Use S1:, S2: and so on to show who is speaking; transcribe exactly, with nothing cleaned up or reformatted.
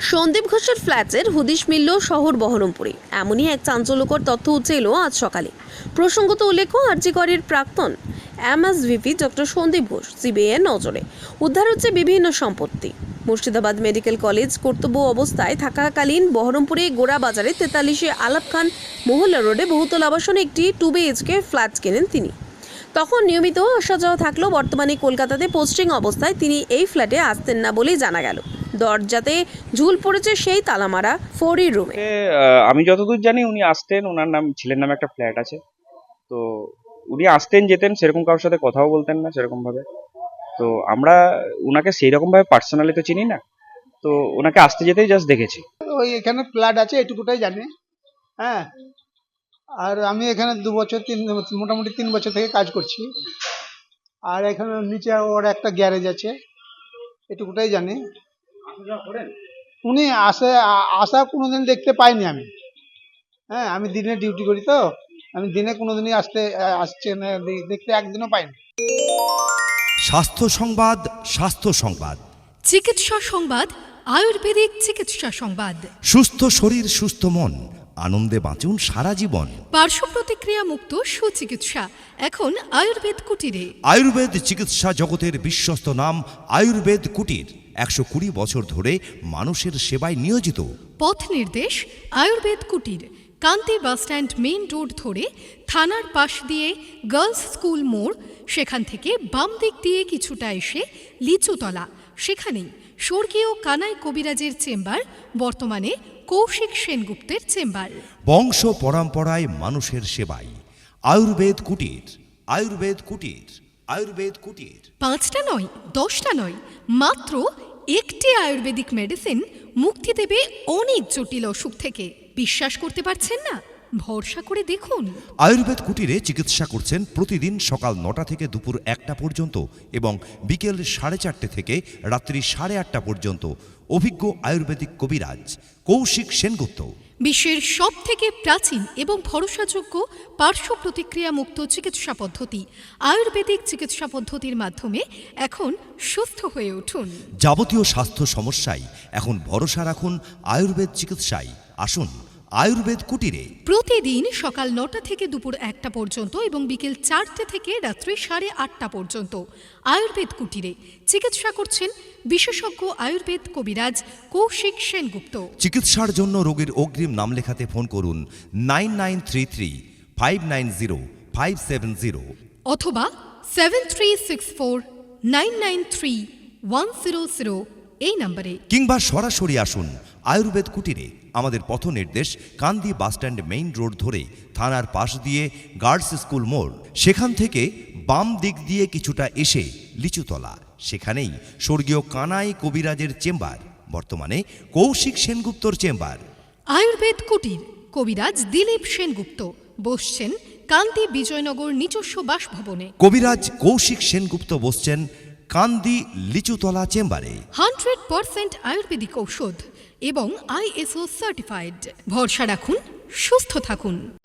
S1: সন্দীপ ঘোষের ফ্ল্যাটের হুদিশ মিলল শহর বহরমপুরে। এমনই এক চাঞ্চল্যকর তথ্য উঠে এলো আজ সকালে। প্রসঙ্গত উল্লেখ্য, আরজিকরের প্রাক্তন এমএসভিপি ডক্টর সন্দীপ ঘোষ সিবিআইয়ের নজরে। উদ্ধার হচ্ছে বিভিন্ন সম্পত্তি। মুর্শিদাবাদ মেডিকেল কলেজ কর্তব্য অবস্থায় থাকাকালীন বহরমপুরে গোড়া বাজারে তেতাল্লিশে আলাপ খান মহল্লা রোডে বহুতল আবাসনে একটি টু বিএইচকে ফ্ল্যাট কেনেন তিনি। তখন নিয়মিত আসা যাওয়া থাকলেও বর্তমানে কলকাতাতে পোস্টিং অবস্থায় তিনি এই ফ্ল্যাটে আসতেন না বলেই জানা গেল। দরজাতে ঝুল পড়েছে সেই তালামারা ফোরি রুমে।
S2: আমি যতদূর জানি উনি আসতেন, ওনার নাম ছেলের নামে একটা ফ্ল্যাট আছে, তো উনি আসতেন যেতেন, সেরকম কারোর সাথে কথাও বলতেন না সেরকম ভাবে। তো আমরা ওনাকে সেই রকম ভাবে পার্সোনালি তো চিনি না, তো ওনাকে আসতে যেতেই জাস্ট দেখেছি।
S3: ওই এখানে ফ্ল্যাট আছে এটুকুটাই জানি। হ্যাঁ, আর আমি এখানে দু বছর তিন মোটামুটি তিন বছর থেকে কাজ করছি। আর এখানে নিচে ওর একটা গ্যারেজ আছে, এটুকুটাই জানি। উনি আসে আসা কোনোদিন দেখতে পাইনি আমি। হ্যাঁ, আমি দিনে ডিউটি করি, তো আমি দিনে কোনোদিনই আসতে আসছে না, দেখতে একদিনও পাইনি।
S4: স্বাস্থ্য সংবাদ, স্বাস্থ্য সংবাদ,
S5: চিকিৎসা সংবাদ, আয়ুর্বেদিক চিকিৎসা সংবাদ।
S4: সুস্থ শরীর সুস্থ মন, আনন্দে বাঁচুন সারা জীবন।
S5: পার্শ্ব প্রতিক্রিয়া মুক্ত সুচিকিৎসা এখন আয়ুর্বেদ কুটিরে।
S4: আয়ুর্বেদ চিকিৎসা জগতের বিশ্বস্ত নাম আয়ুর্বেদ কুটির। একশো কুড়ি বছর ধরে মানুষের সেবায় নিয়োজিত।
S5: পথ নির্দেশ আয়ুর্বেদ কুটির, কান্তি বাসস্ট্যান্ড মেইন রোড ধরে থানার পাশ দিয়ে গার্লস স্কুল মোড়, সেখান থেকে বাম দিক দিয়ে কিছুটা এসে লিচুতলা, সেখানেই স্বর্গীয় কানাই কবিরাজের চেম্বার, বর্তমানে কৌশিক সেনগুপ্তের চেম্বার।
S4: বংশ পরম্পরায় মানুষের সেবায় আয়ুর্বেদ কুটির, আয়ুর্বেদ কুটির, আয়ুর্বেদ কুটির।
S5: পাঁচটা নয়, দশটা নয়, মাত্র একটি আয়ুর্বেদিক মেডিসিন মুক্তি দেবে অনেক জটিল অসুখ থেকে। বিশ্বাস করতে পারছেন না? ভরসা করে দেখুন।
S4: আয়ুর্বেদ কুটিরে চিকিৎসা করছেন প্রতিদিন সকাল নটা থেকে দুপুর একটা পর্যন্ত এবং বিকেল সাড়ে চারটে থেকে রাত্রি সাড়ে আটটা পর্যন্ত অভিজ্ঞ আয়ুর্বেদিক কবিরাজ কৌশিক সেনগুপ্ত।
S5: বিশ্বের সব থেকে প্রাচীন এবং ভরসাযোগ্য পার্শ্ব প্রতিক্রিয়া মুক্ত চিকিৎসা পদ্ধতি আয়ুর্বেদিক চিকিৎসা পদ্ধতির মাধ্যমে এখন সুস্থ হয়ে উঠুন।
S4: যাবতীয় স্বাস্থ্য সমস্যায় এখন ভরসা রাখুন আয়ুর্বেদ চিকিৎসায়। আসুন আয়ুর্বেদ কুটিরে।
S5: প্রতিদিন সকাল নটা থেকে দুপুর একটা পর্যন্ত এবং বিকেল চারটে থেকে রাত্রি সাড়ে আটটা পর্যন্ত আয়ুর্বেদ কুটিরে চিকিৎসা করছেন বিশেষজ্ঞ আয়ুর্বেদ কবিরাজ কৌশিক সেনগুপ্ত।
S4: চিকিৎসার জন্য রোগীর অগ্রিম নাম লেখাতে ফোন করুন nine nine three three five nine zero five seven zero
S5: অথবা seven three six four nine nine three one zero zero এই নম্বরে,
S4: কিংবা সরাসরি আসুন আয়ুর্বেদ কুটিরে। আমাদের পথ নির্দেশ কান্দি বাসস্ট্যান্ড মেইন রোড ধরে থানার পাশ দিয়ে গার্লস স্কুল মোড়, সেখান থেকে বাম দিক দিয়ে কিছুটা এসে লিচুতলা, সেখানেই স্বর্গীয় কানাই কবিরাজের চেম্বার, বর্তমানে কৌশিক সেনগুপ্তর চেম্বার।
S5: আয়ুর্বেদ কুটির, কবিরাজ দিলীপ সেনগুপ্ত বসছেন কান্দি বিজয়নগর নিজস্ব বাসভবনে।
S4: কবিরাজ কৌশিক সেনগুপ্ত বসছেন কান্দি লিচুতলা চেম্বারে।
S5: হান্ড্রেড পার্সেন্ট আয়ুর্বেদিক ঔষধ এবং আইএসও সার্টিফাইড। ভরসা রাখুন, সুস্থ থাকুন।